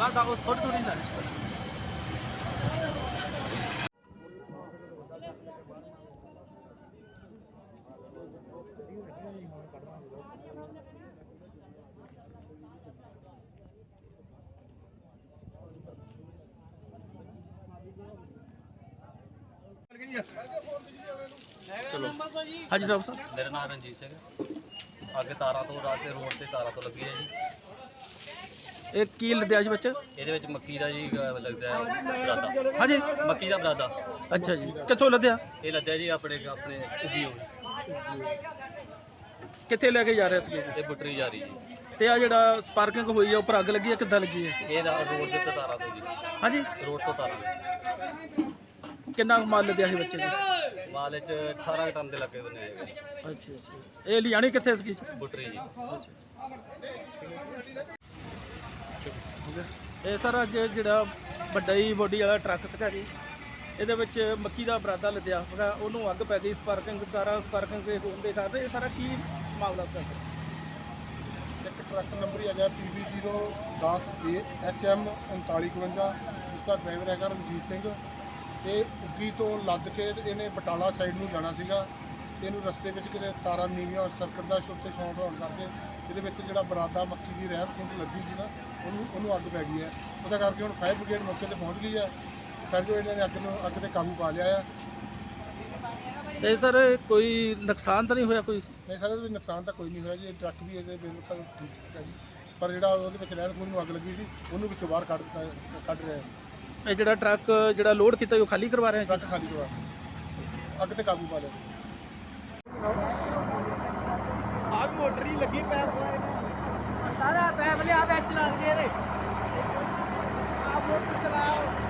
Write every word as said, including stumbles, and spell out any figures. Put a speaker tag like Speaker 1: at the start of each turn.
Speaker 1: ਆ ਦਾ ਥੋੜੀ ਥੋੜੀ ਨਾਲ
Speaker 2: चलो
Speaker 1: हाँ जी डॉक्टर साहब
Speaker 2: मेरा नाम रंजीत सिंह है। आगे तारा तो रात के रोड से तारा तो लगी है जी।
Speaker 1: एक की लद्या जी बच्चे
Speaker 2: ਇਹਦੇ ਵਿੱਚ ਮੱਕੀ ਦਾ ਜੀ ਅਹ ਲੱਗਦਾ ਹੈ ਬਰਾਦਾ।
Speaker 1: हाँ जी
Speaker 2: ਮੱਕੀ ਦਾ ਬਰਾਦਾ
Speaker 1: अच्छा जी कितों लद्या
Speaker 2: ਇਹ ਲੱਦਿਆ ਜੀ ਆਪਣੇ ਆਪਣੇ ਉਗੀ ਹੋਈ
Speaker 1: कितने लेके जा रहे थे
Speaker 2: ਇਹ ਬੁੱਟਰੀ ਜਾ ਰਹੀ ਜੀ।
Speaker 1: ਤੇ ਆ ਜਿਹੜਾ ਸਪਾਰਕਿੰਗ ਹੋਈ ਆ ਉੱਪਰ ਅੱਗ ਲੱਗੀ ਆ ਕਿੱਦਾਂ ਲੱਗੀ ਹੈ
Speaker 2: ਇਹ ਰਾ- ਰੋਡ ਦੇ ਉੱਤੇ ਤਾਰਾ ਤੋਂ ਜੀ।
Speaker 1: ਹਾਂਜੀ
Speaker 2: ਰੋਡ ਤੋਂ ਤਾਰਾ
Speaker 1: ਕਿੰਨਾ ਕੁ ਮਾਲ ਲੱਦਿਆ ਸੀ ਬੱਚੇ ਦੇ
Speaker 2: ਮਾਲ ਵਿੱਚ ਅਠਾਰਾਂ ਟਨ ਦੇ ਲੱਗੇ ਬਣੇ ਹੈਗੇ।
Speaker 1: ਅੱਛਾ ਅੱਛਾ ਇਹ ਲਿਆਣੀ ਕਿੱਥੇ ਸੀ
Speaker 2: ਬੁੱਟਰੀ ਜੀ।
Speaker 1: ਇਹ ਸਰ ਅੱਜ ਜਿਹੜਾ ਵੱਡਾ ਹੀ ਬੋਡੀ ਵਾਲਾ ਟਰੱਕ ਸੀਗਾ ਜੀ ਇਹਦੇ ਵਿੱਚ ਮੱਕੀ ਦਾ ਬਰਾਦਾ ਲੱਦਿਆ ਸੀਗਾ ਉਹਨੂੰ ਅੱਗ ਪੈ ਗਈ ਸਪਾਰਕਿੰਗ ਕਾਰਾਂ ਸਪਾਰਕਿੰਗ ਦੇ ਹੋਣ ਦੇ ਕਾਰਨ ਇਹ ਸਾਰਾ ਕੀ ਮਾਮਲਾ ਸੀਗਾ ਸਰ
Speaker 3: ਇੱਕ ਟਰੱਕ ਨੰਬਰ ਹੈਗਾ ਪੀ ਬੀ ਜ਼ੀਰੋ ਦਸ ਏ ਐਚ ਐਮ ਉਨਤਾਲੀ ਇਕਵੰਜਾ ਜਿਸ ਦਾ ਡਰਾਈਵਰ ਹੈਗਾ ਰਣਜੀਤ ਸਿੰਘ। ਇਹ ਉੱਗੀ ਤੋਂ ਲੱਦ ਕੇ ਤੇ ਇਹਨੇ ਬਟਾਲਾ ਸਾਈਡ ਨੂੰ ਜਾਣਾ ਸੀਗਾ। ਇਹਨੂੰ ਰਸਤੇ ਵਿੱਚ ਕਿਤੇ ਤਾਰਾਂ ਨੀਵੀਆਂ ਸਰਕਟ ਦਾ ਉੱਤੇ ਸ਼ੌਂਟ ਹੋਣ ਕਰਕੇ ਇਹਦੇ ਵਿੱਚ ਜਿਹੜਾ ਬਰਾਦਾ ਮੱਕੀ ਦੀ ਰਹਿਤ ਖੁੰਦ ਲੱਗੀ ਸੀ ਨਾ ਉਹਨੂੰ ਉਹਨੂੰ ਅੱਗ ਪੈ ਗਈ ਹੈ। ਉਹਦਾ ਕਰਕੇ ਹੁਣ ਫਾਇਰ ਬ੍ਰਿਗੇਡ ਮੌਕੇ ਤੇ ਪਹੁੰਚ ਗਈ ਹੈ। ਫਿਰ ਜੋ ਇਹਨਾਂ ਨੇ ਅੱਗ ਨੂੰ ਅੱਗ ਤੇ ਕਾਬੂ ਪਾ ਲਿਆ ਹੈ।
Speaker 1: ਤੇ ਸਰ ਕੋਈ ਨੁਕਸਾਨ ਤਾਂ ਨਹੀਂ ਹੋਇਆ ਕੋਈ
Speaker 3: ਨਹੀਂ ਸਰ ਇਹਦੇ ਵਿੱਚ ਨੁਕਸਾਨ ਤਾਂ ਕੋਈ ਨਹੀਂ ਹੋਇਆ ਜੀ। ਇਹ ਟਰੱਕ ਵੀ ਇਹਦੇ ਬਿਲਕੁਲ ਠੀਕ ਹੈ ਜੀ। ਪਰ ਜਿਹੜਾ ਉਹਦੇ ਵਿੱਚ ਰਹਿਤ ਖੁੰਦ ਨੂੰ ਅੱਗ ਲੱਗੀ ਸੀ ਉਹਨੂੰ ਵਿੱਚੋਂ ਬਾਹਰ ਕੱਢ ਦਿੱਤਾ ਕੱਢ ਰਿਹਾ ਹੈ।
Speaker 1: ਇਹ ਜਿਹੜਾ ਟਰੱਕ ਜਿਹੜਾ ਲੋਡ ਕੀਤਾ ਉਹ ਖਾਲੀ ਕਰਵਾ ਰਹੇ
Speaker 3: ਟਰੱਕ ਖਾਲੀ ਕਰਵਾ ਅੱਗ ਤੇ ਕਾਬੂ ਪਾ ਲਿਆ।
Speaker 1: ਆਹ ਮੋਟਰ ਹੀ ਲੱਗੀ ਪੈਰ ਸਾਰਾ ਪੈਪ ਲਿਆ ਵਿੱਚ ਲੱਗ ਜੇ ਰੇ ਆ ਮੋਟਰ ਚਲਾਓ।